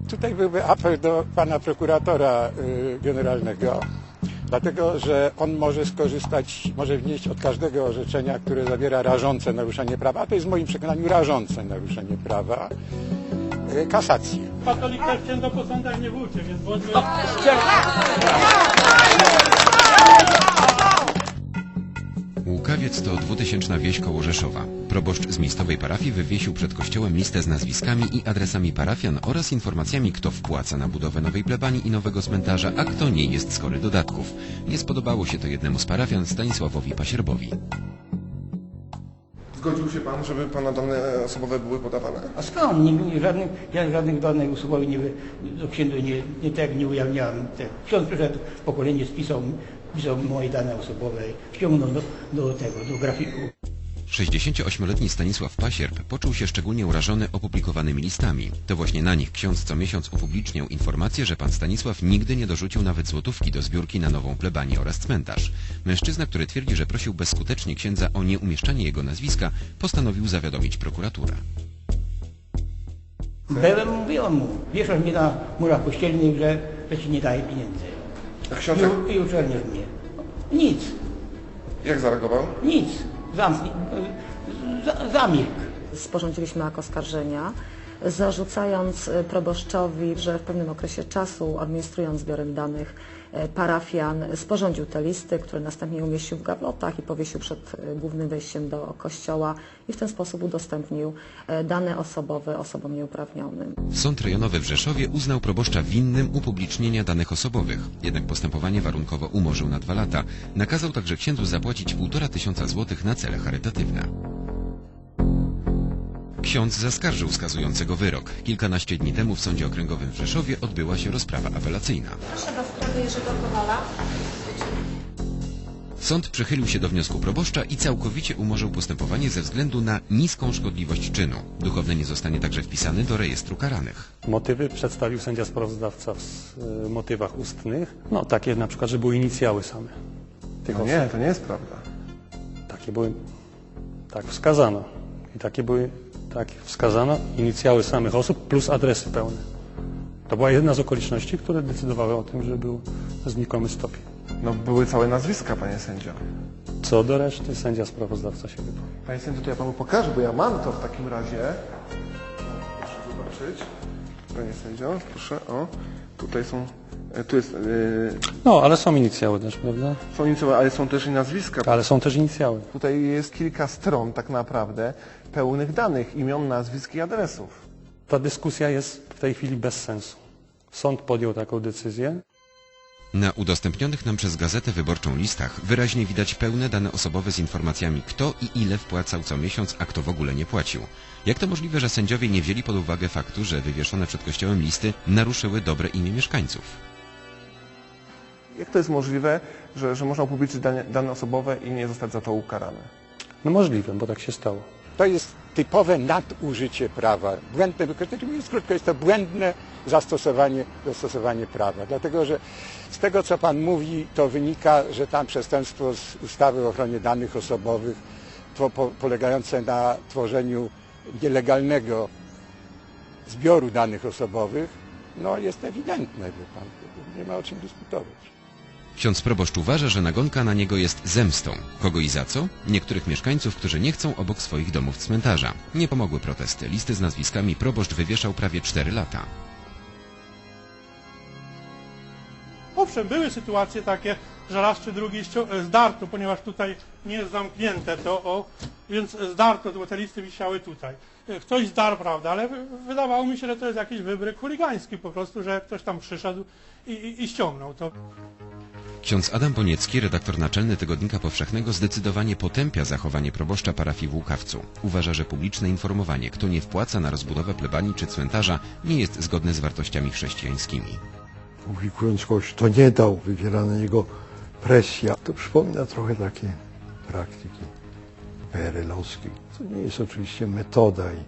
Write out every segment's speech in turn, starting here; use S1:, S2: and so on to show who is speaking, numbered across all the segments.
S1: Tutaj byłby apel do pana prokuratora generalnego, dlatego że on może skorzystać, może wnieść od każdego orzeczenia, które zawiera rażące naruszenie prawa, a to jest w moim przekonaniu rażące naruszenie prawa, kasację.
S2: Katolik też księdza po sądach nie włóczy, więc bądźmy...
S3: Łukawiec to 2000 wieś koło Rzeszowa. Proboszcz z miejscowej parafii wywiesił przed kościołem listę z nazwiskami i adresami parafian oraz informacjami, kto wpłaca na budowę nowej plebanii i nowego cmentarza, a kto nie jest skory dodatków. Nie spodobało się to jednemu z parafian, Stanisławowi Pasierbowi.
S4: Zgodził się pan, żeby pana dane osobowe były podawane?
S5: A skąd? Ja żadnych danych osobowych do księdza nie ujawniałem. Ksiądz przyszedł, pokolenie spisał moje dane osobowe, ściągnął do grafiku.
S3: 68-letni Stanisław Pasierb poczuł się szczególnie urażony opublikowanymi listami. To właśnie na nich ksiądz co miesiąc upubliczniał informację, że pan Stanisław nigdy nie dorzucił nawet złotówki do zbiórki na nową plebanię oraz cmentarz. Mężczyzna, który twierdzi, że prosił bezskutecznie księdza o nieumieszczanie jego nazwiska, postanowił zawiadomić prokuraturę.
S5: Mówiłem mu, wieszasz mnie na murach kościelnych, że ci nie daje pieniędzy.
S4: A ksiądz
S5: I uczerniasz mnie. Nic.
S4: jak zareagował?
S5: Nic. Zamilkł.
S6: Sporządziliśmy akt oskarżenia, zarzucając proboszczowi, że w pewnym okresie czasu, administrując zbiorem danych parafian, sporządził te listy, które następnie umieścił w gablotach i powiesił przed głównym wejściem do kościoła i w ten sposób udostępnił dane osobowe osobom nieuprawnionym.
S3: Sąd rejonowy w Rzeszowie uznał proboszcza winnym upublicznienia danych osobowych. Jednak postępowanie warunkowo umorzył na 2 lata. Nakazał także księdzu zapłacić 1500 złotych na cele charytatywne. Ksiądz zaskarżył skazującego wyrok. Kilkanaście dni temu w Sądzie Okręgowym w Rzeszowie odbyła się rozprawa apelacyjna.
S7: Proszę do sprawy Jerzego Kowala.
S3: Sąd przychylił się do wniosku proboszcza i całkowicie umorzył postępowanie ze względu na niską szkodliwość czynu. Duchowny nie zostanie także wpisany do rejestru karanych.
S2: Motywy przedstawił sędzia sprawozdawca w motywach ustnych. No takie na przykład, że były inicjały same.
S4: No nie, to nie jest prawda.
S2: Takie były, tak wskazano. I takie były, tak wskazano, inicjały samych osób plus adresy pełne. To była jedna z okoliczności, które decydowały o tym, że był znikomy stopień.
S4: No były całe nazwiska, panie sędzio.
S2: Co do reszty sędzia sprawozdawca się wypowie.
S4: Panie sędzio, to ja panu pokażę, bo ja mam to w takim razie. Proszę zobaczyć. Panie sędzio, proszę, o. Tutaj są, tu jest...
S2: No, ale są inicjały też, prawda?
S4: Są inicjały, ale są też i nazwiska.
S2: Ale są też inicjały.
S4: Tutaj jest kilka stron tak naprawdę pełnych danych, imion, nazwisk i adresów.
S2: Ta dyskusja jest w tej chwili bez sensu. Sąd podjął taką decyzję.
S3: Na udostępnionych nam przez Gazetę Wyborczą listach wyraźnie widać pełne dane osobowe z informacjami, kto i ile wpłacał co miesiąc, a kto w ogóle nie płacił. Jak to możliwe, że sędziowie nie wzięli pod uwagę faktu, że wywieszone przed kościołem listy naruszyły dobre imię mieszkańców?
S4: Jak to jest możliwe, że można upublicznić dane osobowe i nie zostać za to ukarane?
S2: No możliwe, bo tak się stało.
S1: To jest typowe nadużycie prawa, błędne wykorzystanie, mówiąc krótko, jest to błędne zastosowanie prawa, dlatego że z tego, co pan mówi, to wynika, że tam przestępstwo z ustawy o ochronie danych osobowych polegające na tworzeniu nielegalnego zbioru danych osobowych, no jest ewidentne, wie pan, nie ma o czym dyskutować.
S3: Ksiądz proboszcz uważa, że nagonka na niego jest zemstą. Kogo i za co? Niektórych mieszkańców, którzy nie chcą obok swoich domów cmentarza. Nie pomogły protesty. Listy z nazwiskami proboszcz wywieszał prawie 4 lata.
S2: Owszem, były sytuacje takie, że raz czy drugi zdarto, ponieważ tutaj nie jest zamknięte to, więc zdarto, bo te listy wisiały tutaj. Ktoś zdarł, prawda, ale wydawało mi się, że to jest jakiś wybryk chuligański po prostu, że ktoś tam przyszedł i ściągnął to.
S3: Ksiądz Adam Boniecki, redaktor naczelny Tygodnika Powszechnego, zdecydowanie potępia zachowanie proboszcza parafii w Łukawcu. Uważa, że publiczne informowanie, kto nie wpłaca na rozbudowę plebanii czy cmentarza, nie jest zgodne z wartościami chrześcijańskimi.
S8: Publikując kogoś, kto nie dał, wywiera na niego presja. To przypomina trochę takie praktyki PRL-owskie. To nie jest oczywiście metoda i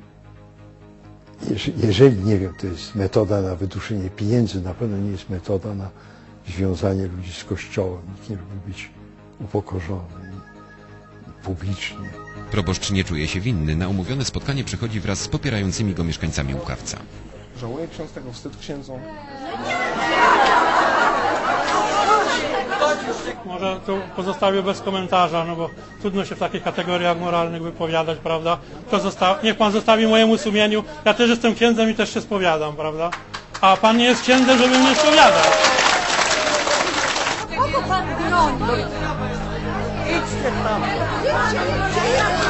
S8: jeżeli, nie wiem, to jest metoda na wyduszenie pieniędzy, na pewno nie jest metoda na związanie ludzi z Kościołem. Nikt nie lubi być upokorzony publicznie.
S3: Proboszcz nie czuje się winny. Na umówione spotkanie przychodzi wraz z popierającymi go mieszkańcami Łukawca.
S4: Żałuje ksiądz tego? Wstyd księdzu?
S2: Może tu pozostawię bez komentarza, no bo trudno się w takich kategoriach moralnych wypowiadać, prawda? Niech pan zostawi mojemu sumieniu. Ja też jestem księdzem i też się spowiadam, prawda? A pan nie jest księdzem, żeby mnie spowiadać.
S9: Kogo pan broni? Idźcie tam.